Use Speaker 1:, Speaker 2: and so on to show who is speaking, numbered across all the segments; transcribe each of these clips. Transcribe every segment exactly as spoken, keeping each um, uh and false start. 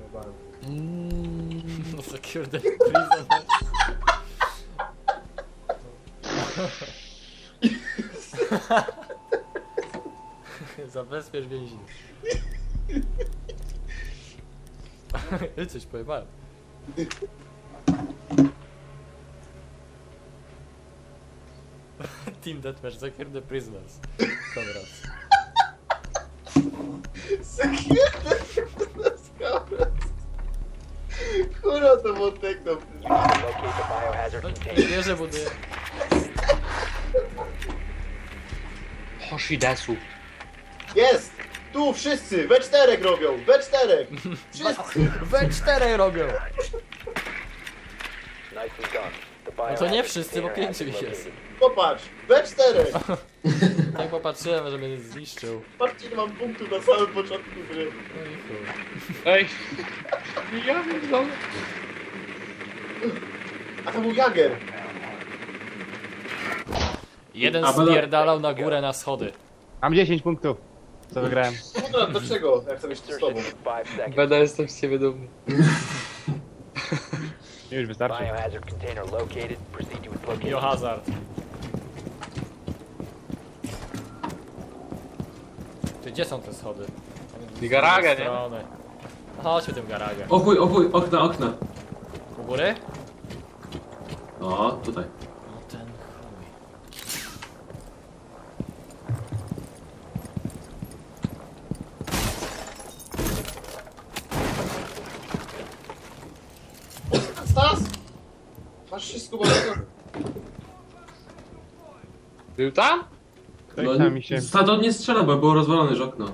Speaker 1: Mm.
Speaker 2: No secure prison. Zabezpiecz więźniów. I coś pojebałem. Team Deathmatch, secure the prisoners. Konrad.
Speaker 3: Kurwa to było tekno.
Speaker 2: No, wieżę buduję.
Speaker 1: Hoshidesu.
Speaker 3: Jest! Tu wszyscy! We czterech robią! We czterech! Wszyscy!
Speaker 2: We czterech robią! No to nie wszyscy, bo pięciu ich jest.
Speaker 3: Popatrz! We czterech!
Speaker 2: Tak popatrzyłem, że mnie zniszczył.
Speaker 3: Patrzcie, ile mam punktów na samym początku gry.
Speaker 2: No i chuj.
Speaker 1: Ej. Ja wiem,
Speaker 3: A to był Jager!
Speaker 2: Jeden
Speaker 4: A, bo-
Speaker 2: spierdalał na górę na schody.
Speaker 5: Mam dziesięć punktów. Co wygrałem?
Speaker 3: Kurwa, dlaczego? Jak chcę mieć tu z tobą?
Speaker 1: Będę jestem z ciebie dumny.
Speaker 5: Już wystarczy.
Speaker 2: Biohazard. Ty, gdzie są te schody?
Speaker 1: I garage, nie?
Speaker 2: Strony. Chodźmy tym garagę.
Speaker 4: O chuj, o chuj, okna, okna.
Speaker 2: U góry?
Speaker 4: O, tutaj.
Speaker 2: No ten chuj.
Speaker 3: Stas! Masz się skubanego?
Speaker 1: Był tam?
Speaker 5: Ktoś
Speaker 4: No,
Speaker 5: tam mi się...
Speaker 4: Stado nie strzela, bo było rozwalone już okno.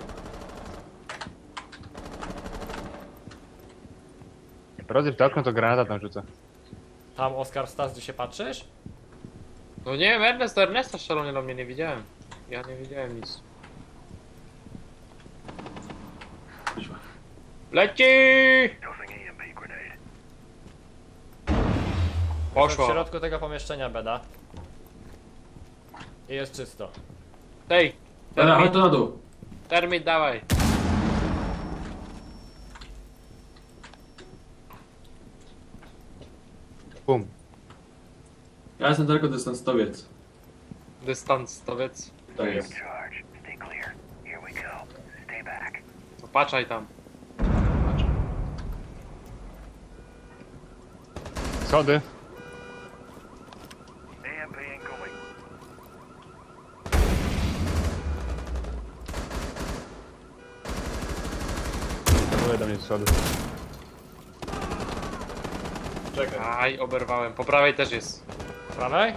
Speaker 5: Rozryw to okno, to granata tam rzuca.
Speaker 2: Tam Oskar Stas, gdzie się patrzysz?
Speaker 1: No nie wiem, Ernest, Ernesta strzelał do mnie, nie widziałem. Ja nie widziałem nic. Leci!
Speaker 2: W
Speaker 1: Poszło.
Speaker 2: środku tego pomieszczenia beda. I jest czysto.
Speaker 1: Tej,
Speaker 4: Ale, ale
Speaker 1: termit,
Speaker 4: to na dół.
Speaker 1: termit dawaj.
Speaker 5: Bum.
Speaker 4: Ja jestem daleko dystansowiec.
Speaker 1: Dystans, towiec.
Speaker 4: Tak jest.
Speaker 1: Popatrzaj tam.
Speaker 5: Schody. Były do mnie schody.
Speaker 3: Czekaj.
Speaker 1: Aj, oberwałem. Po prawej też jest.
Speaker 2: Prawej?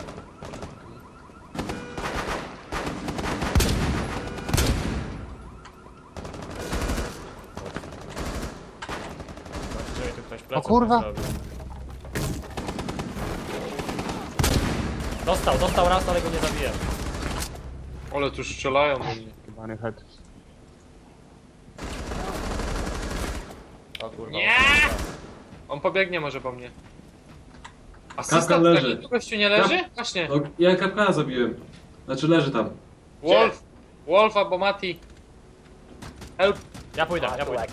Speaker 2: Zobaczcie, tu ktoś pleców
Speaker 5: O kurwa!
Speaker 2: zrobił. Dostał, dostał raz, ale go nie zabiję.
Speaker 1: Ale tu strzelają do mnie.
Speaker 5: Chyba head.
Speaker 2: O kurwa.
Speaker 1: Nie! On pobiegnie może po mnie.
Speaker 4: Kapka
Speaker 1: Asystent
Speaker 4: leży.
Speaker 1: taki, gościu nie leży? Właśnie.
Speaker 4: No, ja kapkana zabiłem. Znaczy leży tam.
Speaker 1: Wolf. Wolf albo Mati. Help.
Speaker 2: Ja pójdę, ja pójdę.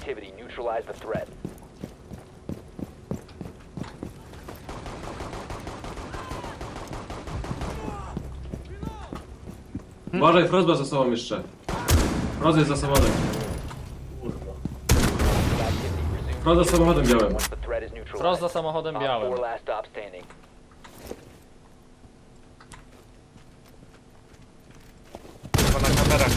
Speaker 4: Uważaj, Frostba za sobą jeszcze. Frost jest za samochodem.
Speaker 3: Kurwa.
Speaker 4: Frost za samochodem białym.
Speaker 2: Frost za samochodem białym.
Speaker 1: Chyba na kamerach.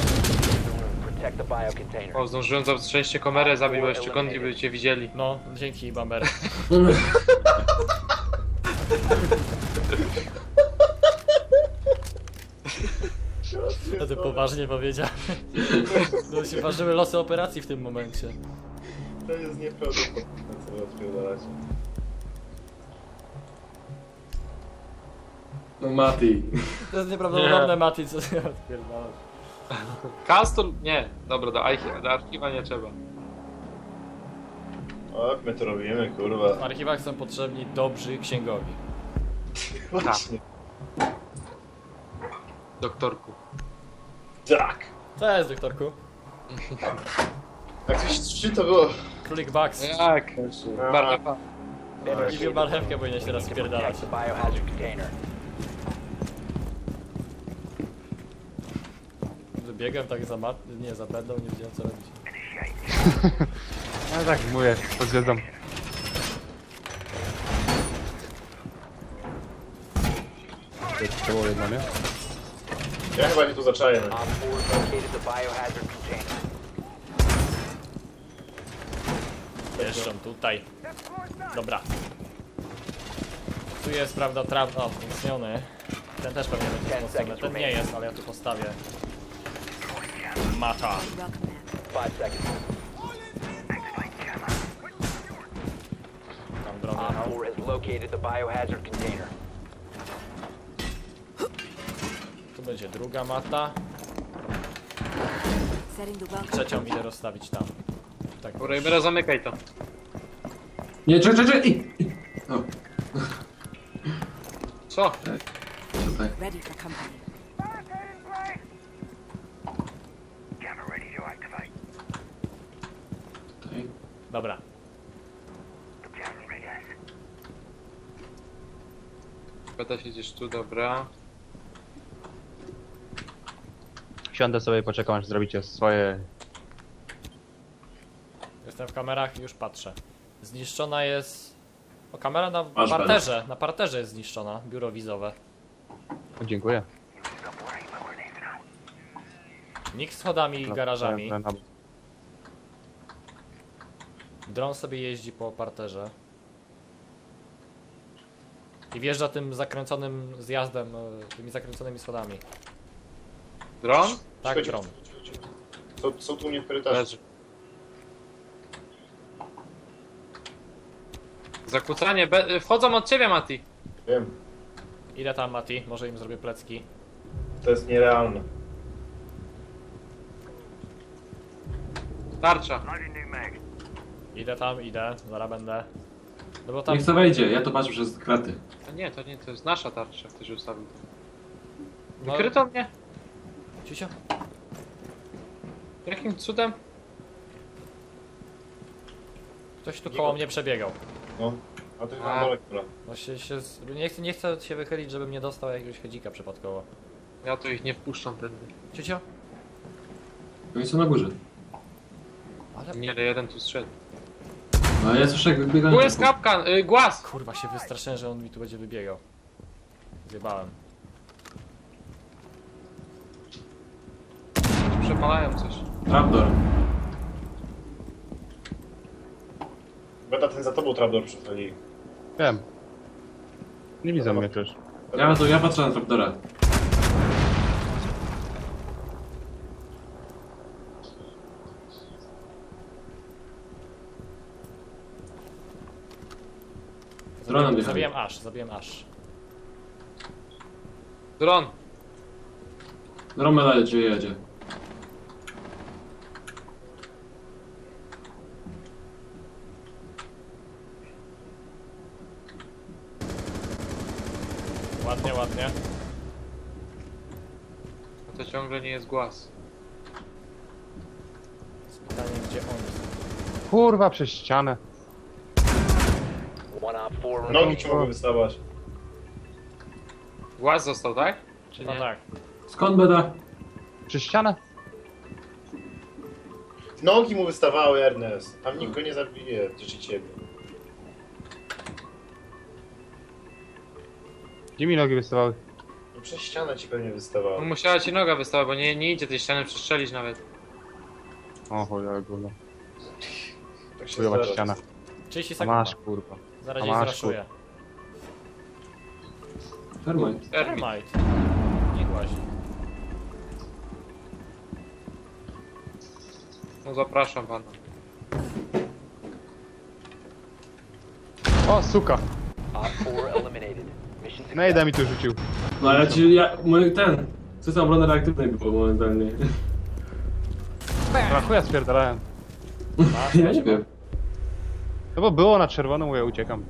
Speaker 1: O, zdążyłem za szczęście kamerę zabić, bo jeszcze kątli by cię widzieli.
Speaker 2: No, dzięki Bamber. No ty poważnie powiedział. No się ważyły losy operacji w tym momencie.
Speaker 3: To jest nieprawdopodobne, co wy odpierdalacie.
Speaker 4: No Mati.
Speaker 2: To jest nieprawdopodobne, Mati, co ty odpierdalasz.
Speaker 1: Castle? Nie. Dobra, do, archi- do archiwa nie trzeba.
Speaker 3: O, jak my to robimy,
Speaker 2: W
Speaker 3: kurwa.
Speaker 2: archiwach są potrzebni dobrzy księgowi.
Speaker 3: Właśnie.
Speaker 1: Doktorku.
Speaker 3: Tak.
Speaker 2: Co jest, doktorku?
Speaker 3: Jak coś trzy to było
Speaker 2: Królik Bugs.
Speaker 1: Jak? Marlepa.
Speaker 2: Liwiu marchewkę powinien się teraz spierdalać.
Speaker 6: Protect the biohazard container.
Speaker 2: Biegłem tak za mat... nie, za będą, nie wiedziałem co robić.
Speaker 5: No tak mówię, pod gwiazdą. To było jedno, nie?
Speaker 3: Ja chyba nie tu zaczaję.
Speaker 6: Op four located the biohazard container.
Speaker 2: Jeszcze tutaj. Dobra. Tu jest, prawda, traw... o, wzmocniony. Ten też pewnie będzie wzmocniony. Ten nie jest, ale ja tu postawię. Mata.
Speaker 6: Five seconds.
Speaker 2: Tam drogę.
Speaker 6: Op four has located the biohazard container.
Speaker 2: Tu będzie druga mata.
Speaker 7: Setting the welcome.
Speaker 2: Trzecią idę rozstawić tam. Tak.
Speaker 1: Dobra, Ibera, zamykaj to.
Speaker 4: Nie, czekaj, czekaj! ej, ej. O,
Speaker 1: Co?
Speaker 4: tutaj.
Speaker 7: Ready for company.
Speaker 4: Tutaj.
Speaker 2: Dobra.
Speaker 1: Beta siedzisz tu, dobra.
Speaker 5: Siądę sobie i poczekam aż zrobicie swoje...
Speaker 2: Jestem w kamerach i już patrzę. Zniszczona jest... O, kamera na
Speaker 4: Masz
Speaker 2: parterze. Na parterze jest zniszczona. Biuro wizowe.
Speaker 5: O, dziękuję.
Speaker 2: Nikt z schodami i garażami.
Speaker 5: Na- na- na-
Speaker 2: Dron sobie jeździ po parterze. I wjeżdża tym zakręconym zjazdem, e, tymi zakręconymi schodami.
Speaker 1: Dron?
Speaker 2: Tak,
Speaker 3: Chodź,
Speaker 2: dron.
Speaker 3: chodź, chodź, chodź. Są, są tu u mnie w korytarzu.
Speaker 1: Leży. Zakłócanie, be... wchodzą od ciebie, Mati.
Speaker 3: Wiem,
Speaker 2: Ile tam, Mati? Może im zrobię plecki.
Speaker 3: to jest nierealne.
Speaker 1: Tarcza.
Speaker 2: Idę tam, idę. Zaraz będę. No bo tam...
Speaker 4: Niech to wejdzie, ja to patrzę przez kraty.
Speaker 1: A nie, to nie, to jest nasza tarcza, ktoś ustawił.
Speaker 2: No,
Speaker 1: Wykryto mnie?
Speaker 2: Ciusio?
Speaker 1: Jakim cudem?
Speaker 2: Ktoś tu koło mnie przebiegał.
Speaker 3: No, a to jest
Speaker 1: A.
Speaker 3: na dole, która.
Speaker 2: Właśnie się... z- Nie chcę, nie chcę się wychylić, żebym nie dostał jakiegoś hedzika przypadkowo.
Speaker 1: Ja tu ich nie wpuszczam tędy.
Speaker 2: Ciusio?
Speaker 4: Oni są na górze.
Speaker 2: Ale...
Speaker 1: Nie, ale jeden tu strzedł.
Speaker 4: No ja słyszę jak biegają.
Speaker 1: Tu jest kapkan, y, głaz!
Speaker 2: Kurwa, się wystraszyłem, że on mi tu będzie wybiegał. Zjebałem.
Speaker 1: Przepalają coś.
Speaker 4: Trapdoor.
Speaker 3: Beta ten za tobą trapdoor przesłali.
Speaker 5: Wiem. Nie widzą mnie też.
Speaker 4: Ja, to, ja patrzę na trapdora. Dronem jechali.
Speaker 2: Zabiłem aż, zabiłem aż.
Speaker 1: Dron!
Speaker 4: Dromela jedzie, jedzie.
Speaker 2: Ładnie, ładnie.
Speaker 1: No to ciągle nie jest głaz.
Speaker 2: Z pytaniem, gdzie on jest.
Speaker 5: Kurwa, przez ścianę.
Speaker 6: One op four
Speaker 3: Nogi
Speaker 6: remaining.
Speaker 3: ci mogły wystawać.
Speaker 1: Głaz został, tak? Czy
Speaker 2: No
Speaker 1: nie?
Speaker 2: tak.
Speaker 4: Skąd beda?
Speaker 5: Przez ścianę?
Speaker 3: Nogi mu wystawały, Ernest. Tam nikt go nie zabije, czy ciebie.
Speaker 5: Gdzie mi nogi wystawały?
Speaker 3: No przez ścianę ci pewnie
Speaker 1: No,
Speaker 3: wystawały.
Speaker 1: musiała ci noga wystawać, bo nie, nie idzie tej ściany przestrzelić nawet.
Speaker 5: O chuj, ale gówno.
Speaker 3: Tak się
Speaker 5: Chujowa
Speaker 3: zdarza.
Speaker 5: ściana.
Speaker 2: trzydzieści
Speaker 5: A
Speaker 2: sekund.
Speaker 5: masz, kurwa.
Speaker 2: Zaraz
Speaker 5: a
Speaker 2: gdzieś
Speaker 5: masz,
Speaker 2: zraszuję.
Speaker 4: Termite.
Speaker 1: Termit.
Speaker 2: Termite. Nie głazi.
Speaker 1: No zapraszam pana.
Speaker 5: O, suka!
Speaker 6: Op four eliminated. Mission
Speaker 5: Nejda mi tu rzucił.
Speaker 4: No ale ci, ja, mój, ten, system obrony reaktywnej był momentalnie.
Speaker 5: Na chuja spierdalałem.
Speaker 4: Ja nie wiem.
Speaker 5: No bo było na czerwono, mówię, uciekam.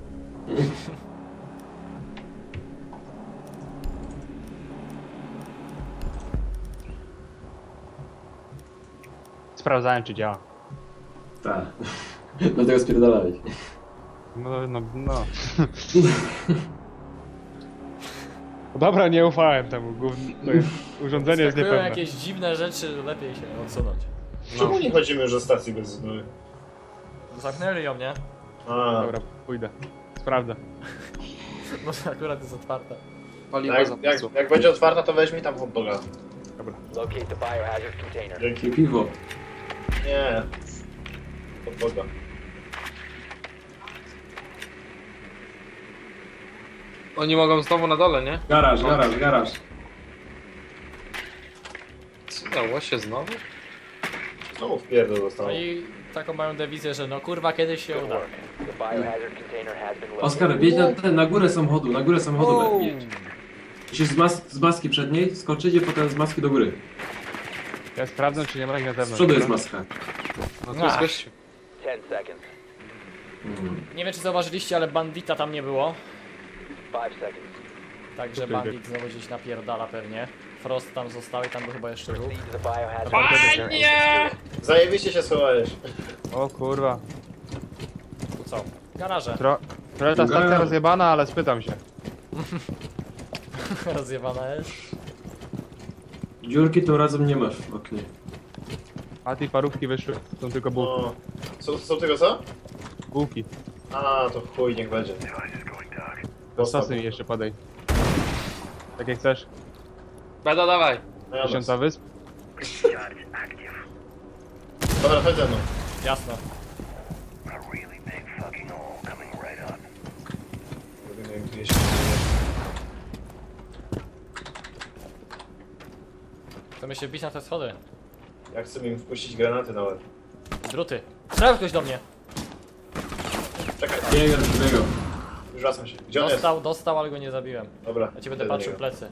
Speaker 5: Sprawdzałem, czy działa.
Speaker 4: Tak. Dlatego spierdalałeś.
Speaker 5: No, no, no. Dobra, nie ufałem temu. Gówno, to jest, urządzenie jest
Speaker 2: Skakują
Speaker 5: niepewne.
Speaker 2: jakieś dziwne rzeczy, lepiej się odsunąć.
Speaker 3: Czemu nie chodzimy już do stacji benzynowej?
Speaker 2: Zamknęli ją, nie?
Speaker 3: A,
Speaker 5: Dobra, pójdę. Sprawdzę.
Speaker 2: Może akurat jest otwarta.
Speaker 1: Paliwo
Speaker 3: jak,
Speaker 1: za
Speaker 3: jak, jak będzie otwarta, to weź mi tam hot doga.
Speaker 6: Locate the biohazard container.
Speaker 3: Dzięki.
Speaker 4: Piwo.
Speaker 3: Nie. Hot doga.
Speaker 1: Oni mogą znowu na dole, nie?
Speaker 4: Garaż, garaż, garaż.
Speaker 1: Co dało się znowu?
Speaker 3: Znowu w pierdol
Speaker 2: No
Speaker 3: dostaną.
Speaker 2: i taką mają dewizję, że no kurwa kiedyś się
Speaker 6: Good
Speaker 2: uda.
Speaker 6: work. The biohazard container has been located.
Speaker 4: Oskar, wjedź na, ten, na górę samochodu, na górę samochodu wjedź. Musisz z, mas z maski przedniej skoczyć i potem z maski do góry.
Speaker 5: Ja sprawdzę, czy nie ma ich na
Speaker 4: Z
Speaker 5: zewnątrz.
Speaker 4: przodu jest
Speaker 5: dobra?
Speaker 4: maska.
Speaker 1: No tu jest
Speaker 2: Ach.
Speaker 1: gościu.
Speaker 6: Ten seconds.
Speaker 4: Mm.
Speaker 2: Nie wiem czy zauważyliście, ale bandita tam nie było.
Speaker 6: Five seconds.
Speaker 2: Także bandit znowu gdzieś napierdala pewnie. Frost tam został i tam był chyba jeszcze ruch.
Speaker 6: Proceed to the biohazard
Speaker 1: Fajnie!
Speaker 3: Zajebiście się schowałeś.
Speaker 5: O kurwa.
Speaker 2: Tu co? Garaże.
Speaker 5: Tro trochę ta stacja rozjebana, ale spytam się.
Speaker 2: Rozjebana jest.
Speaker 4: Dziurki tym razem nie masz w oknie.
Speaker 5: A tej parówki wyszły. Są tylko bułki.
Speaker 3: No. Są, są tego co?
Speaker 5: Bułki.
Speaker 3: A, to chuj, niech będzie.
Speaker 5: Do sosy mi jeszcze podaj. Tak jak chcesz.
Speaker 1: Beda, dawaj.
Speaker 3: No ja
Speaker 5: Tysiąca wysp.
Speaker 3: Dobra, chodź ze mną.
Speaker 2: Jasno.
Speaker 3: Robimy gdzieś.
Speaker 2: Chcemy się wbić na te schody.
Speaker 3: Ja chcę im wpuścić granaty na łeb.
Speaker 2: Druty. Strzel ktoś do mnie.
Speaker 3: Czekaj,
Speaker 4: Biega, biega.
Speaker 3: już wracam się. Gdzie on jest?
Speaker 2: Dostał, dostał, ale go nie zabiłem.
Speaker 3: Dobra.
Speaker 2: Ja ci będę
Speaker 3: idę do
Speaker 2: patrzył w
Speaker 3: niego.
Speaker 2: plecy.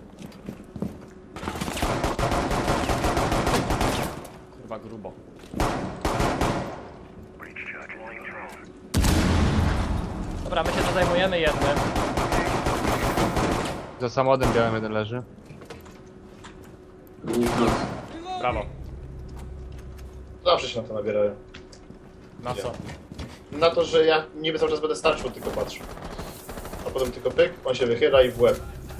Speaker 2: Kurwa grubo. Dobra, my się tu zajmujemy jednym.
Speaker 5: Za samochodem białym jeden leży.
Speaker 4: Nie wprost.
Speaker 2: Brawo.
Speaker 3: Zawsze się na to nabierają.
Speaker 2: Na co?
Speaker 3: Na to, że ja niby cały czas będę starczył, tylko patrzę. A potem tylko pyk, on się wychyla i w łeb.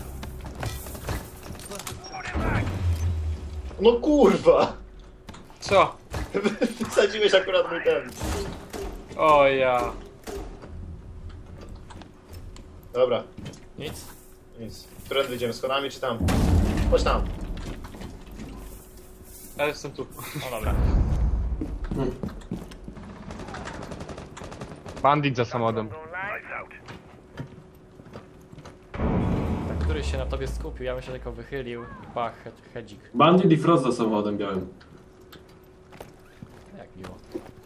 Speaker 3: No kurwa!
Speaker 1: Co?
Speaker 3: Wysadziłeś akurat mój ten.
Speaker 1: O ja.
Speaker 3: Dobra,
Speaker 2: Nic?
Speaker 3: nic. Którędy idziemy? Schodami czy tam? Chodź tam.
Speaker 1: Ja jestem tu.
Speaker 2: No dobra.
Speaker 5: Bandit za samochodem.
Speaker 2: Tak, któryś się na tobie skupił, ja bym się tylko wychylił. Pach, he hedzik.
Speaker 4: Bandit i Frost za samochodem białym.
Speaker 2: Jak miło.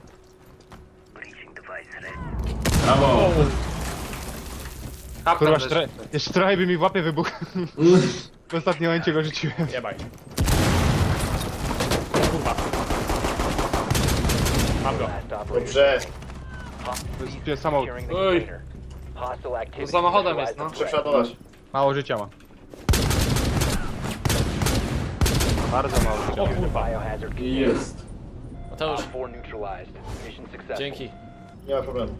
Speaker 4: Brawo!
Speaker 1: Kaptan
Speaker 5: Kurwa,
Speaker 1: też.
Speaker 5: jeszcze, jeszcze trochę by mi w łapie wybuchł. W ostatnim momencie go rzuciłem.
Speaker 2: Jebaj. Kurwa. Mam go.
Speaker 6: Last operator.
Speaker 3: Dobrze.
Speaker 5: To jest samochód.
Speaker 6: Securing the
Speaker 1: Oj.
Speaker 6: container. Hostile activity.
Speaker 1: To samochodem jest, no.
Speaker 6: neutralize the threat.
Speaker 3: Przeprzeładować.
Speaker 5: Mało życia ma. Bardzo mało życia
Speaker 2: O
Speaker 5: ma.
Speaker 2: kurwa.
Speaker 6: Biohazard
Speaker 4: I
Speaker 6: container.
Speaker 4: jest.
Speaker 2: Mateusz,
Speaker 6: Op four neutralized. Mission successful.
Speaker 2: dzięki.
Speaker 3: Nie ma problemu.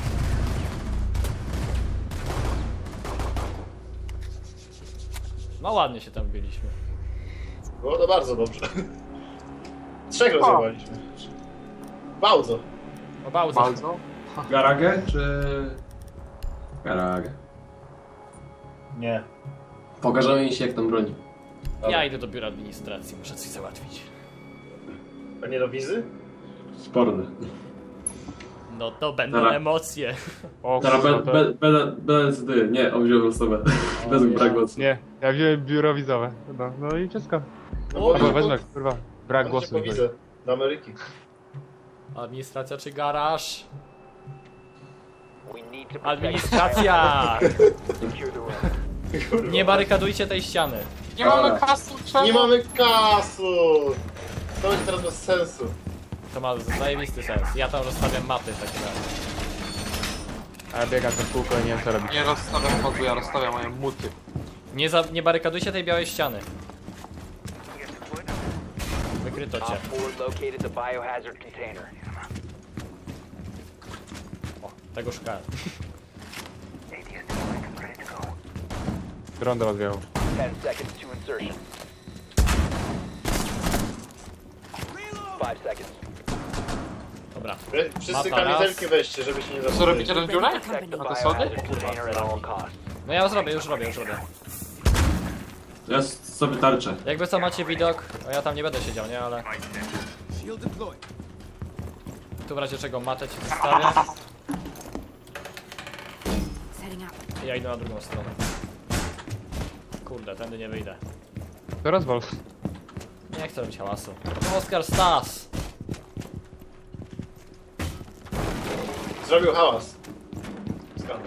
Speaker 2: No ładnie się tam byliśmy.
Speaker 3: Było to bardzo dobrze. Trzech rozjebaliśmy. Bardzo.
Speaker 2: O bałdzo.
Speaker 1: Bardzo?
Speaker 4: Garagę czy... Garagę.
Speaker 3: Nie.
Speaker 4: Pokażemy im się jak tam broni.
Speaker 2: Ja idę do biura administracji, muszę coś załatwić.
Speaker 3: A nie do wizy?
Speaker 4: Sporne.
Speaker 2: No to będą
Speaker 4: Dobra.
Speaker 2: emocje.
Speaker 5: O
Speaker 4: Teraz
Speaker 5: kurwa,
Speaker 4: be,
Speaker 5: to...
Speaker 4: be, be, bez ty. Nie, on wziął osobę. Bez
Speaker 2: ja.
Speaker 4: brak głosu.
Speaker 5: Nie, ja wziąłem biuro wizowe. No, no i wszystko.
Speaker 3: No
Speaker 2: O,
Speaker 5: Albo
Speaker 3: bo
Speaker 5: wezmę, kurwa. Brak
Speaker 3: głosu.
Speaker 5: głosu.
Speaker 3: Po wizę. Do Ameryki.
Speaker 2: Administracja czy garaż?
Speaker 6: We need to protect
Speaker 2: Administracja!
Speaker 6: the biohazard. Secure the room.
Speaker 3: Kurwa.
Speaker 2: Nie barykadujcie tej ściany.
Speaker 1: Nie mamy
Speaker 3: Dobra.
Speaker 1: kasu, czemu?
Speaker 3: Nie mamy kasu! To będzie teraz bez sensu.
Speaker 2: To ma zajebisty sens. Ja tam rozstawiam mapy w takim razie.
Speaker 5: A ja biegam to w kółko i nie wiem co robić.
Speaker 1: Nie rozstawiam modu, ja rozstawiam moje muty.
Speaker 2: Nie, za, nie barykadujcie tej białej ściany. Wykryto cię.
Speaker 6: Op four located the biohazard container.
Speaker 2: Tego szukałem.
Speaker 5: Dron do was wjechał.
Speaker 6: Ten seconds to insertion. Five seconds.
Speaker 2: Dobra.
Speaker 3: Wszyscy
Speaker 2: Mapa raz.
Speaker 3: kamizelki weźcie, żeby się nie
Speaker 1: Co
Speaker 3: zapomnieć.
Speaker 1: robicie tę dziurę?
Speaker 6: Protect the
Speaker 1: A to sody?
Speaker 6: biohazard container at all costs.
Speaker 2: No ja zrobię, już robię, już robię.
Speaker 4: Ja s- sobie tarczę.
Speaker 2: Jakby co macie widok, a ja tam nie będę siedział, nie? Ale... Tu w razie czego matę ci zostawię.
Speaker 7: Setting up.
Speaker 2: I ja idę na drugą stronę. Kurde, tędy nie wyjdę.
Speaker 5: To rozwal.
Speaker 2: Nie chcę robić hałasu. Oskar Stas!
Speaker 3: Zrobił hałas. Skandal.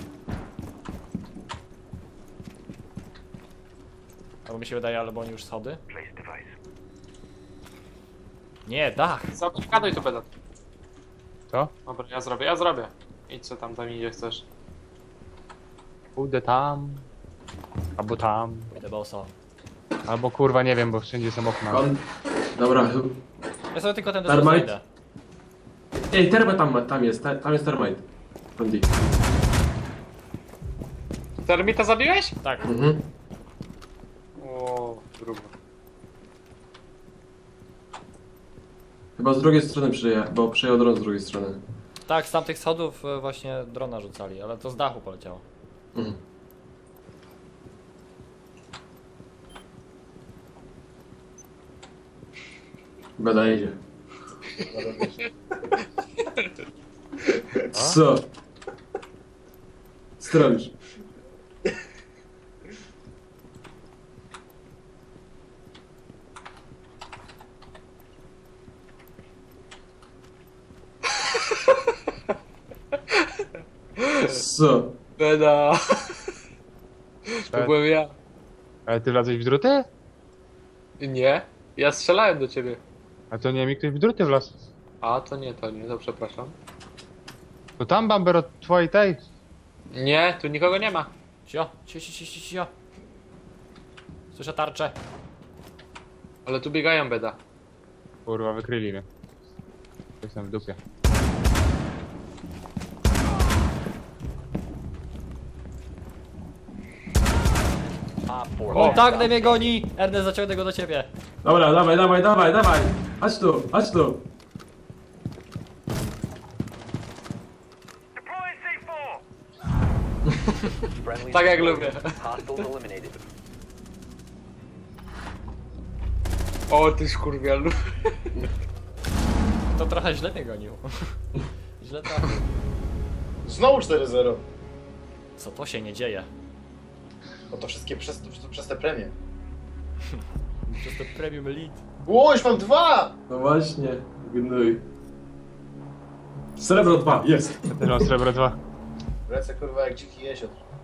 Speaker 2: Albo mi się wydaje, albo oni już schody. Nie, dach!
Speaker 1: Zablokadaj to beda.
Speaker 5: Co?
Speaker 1: Dobra, ja zrobię, ja zrobię. Idź co tam, tam idzie chcesz.
Speaker 5: Pójdę tam. Albo tam.
Speaker 2: Idę boso.
Speaker 5: Albo kurwa nie wiem, bo wszędzie są okna.
Speaker 4: Kon... Dobra.
Speaker 2: Ja sobie tylko ten
Speaker 4: Termite?
Speaker 2: idę.
Speaker 4: Ej, termite tam, tam jest, ta- tam jest termite. Kondi.
Speaker 1: Termita zabiłeś?
Speaker 2: Tak.
Speaker 4: Mhm.
Speaker 1: O, grubo.
Speaker 4: Chyba z drugiej strony przyjechał, bo przyjechał dron z drugiej strony.
Speaker 2: Tak, z tamtych schodów e, właśnie drona rzucali, ale to z dachu poleciało.
Speaker 4: Mhm. Beda idzie. Co? Co ty robisz? Co?
Speaker 1: Beda. To
Speaker 5: Tak.
Speaker 1: byłem ja.
Speaker 5: Ale ty wlazłeś w druty?
Speaker 1: Nie, ja strzelałem do ciebie.
Speaker 5: A to nie mi ktoś w druty wlazł.
Speaker 1: A, to nie, to nie, to przepraszam.
Speaker 5: To tam Bamber od twojej tej.
Speaker 1: Nie, tu nikogo nie ma.
Speaker 2: Cio, cio, cio, cio, cio, cio. Słyszę tarczę.
Speaker 1: Ale tu biegają beda.
Speaker 5: Kurwa, wykryli mnie. Jestem w dupie.
Speaker 6: Op four.
Speaker 2: O, tak, mnie goni! Ernest, zaciągnę go do ciebie.
Speaker 4: Dobra, dawaj, dawaj, dawaj, dawaj! Chodź tu, chodź tu!
Speaker 6: Friendly
Speaker 1: Tak jak
Speaker 6: deployed.
Speaker 1: lubię.
Speaker 6: Hostiles eliminated.
Speaker 1: O, ty skurwielu.
Speaker 2: To trochę źle mnie gonił. Źle trafił.
Speaker 3: Znowu cztery zero.
Speaker 2: Co to się nie dzieje?
Speaker 3: No to wszystkie przez, to, przez te premie.
Speaker 2: Przez to premium elite.
Speaker 3: O, już mam dwa!
Speaker 4: No właśnie, gnój. Srebro dwa, jest!
Speaker 5: Ja też mam srebro dwa.
Speaker 3: Lecę kurwa jak dziki jesiot.